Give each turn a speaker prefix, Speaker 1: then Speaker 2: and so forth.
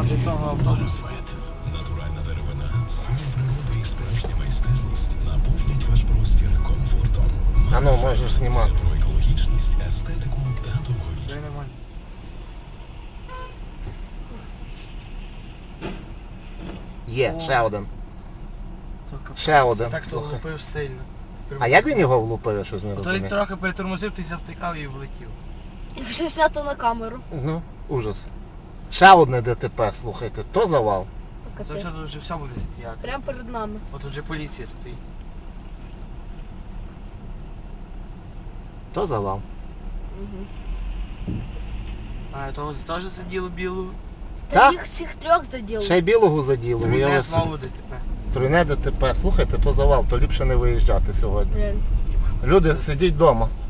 Speaker 1: від того автобусу.
Speaker 2: Натуральна деревина, сила природи і справжня майстерність наповнять ваш простір комфортом.
Speaker 3: А ну, можеш знімати.
Speaker 2: Про екологічність, естетику та довговічність.
Speaker 1: Це нормально.
Speaker 3: Є,
Speaker 1: О.
Speaker 3: ще один.
Speaker 1: Тільки
Speaker 3: Ще один,
Speaker 1: Так то
Speaker 3: слухай.
Speaker 1: влупив сильно.
Speaker 3: А як він його влупив, я щось не
Speaker 1: То він
Speaker 3: розумію?
Speaker 1: трохи перетормозив, ти завтикав і влетів.
Speaker 4: І вже знято на камеру.
Speaker 3: Ну, ужас. Ще одне ДТП, слухайте, то завал.
Speaker 1: Це вже все буде стояти.
Speaker 4: Прямо перед нами.
Speaker 1: От вже поліція стоїть.
Speaker 3: То завал.
Speaker 4: Угу.
Speaker 1: А того теж заділо білу.
Speaker 4: Та
Speaker 3: Так.
Speaker 4: їх всіх трьох заділи.
Speaker 3: Ще й білого заділо.
Speaker 1: Тройне
Speaker 3: Уяви
Speaker 1: знову
Speaker 3: собі.
Speaker 1: ДТП.
Speaker 3: Тройне ДТП. Слухайте, то завал, то ліпше не виїжджати сьогодні.
Speaker 4: Реально.
Speaker 3: Люди, сидіть вдома.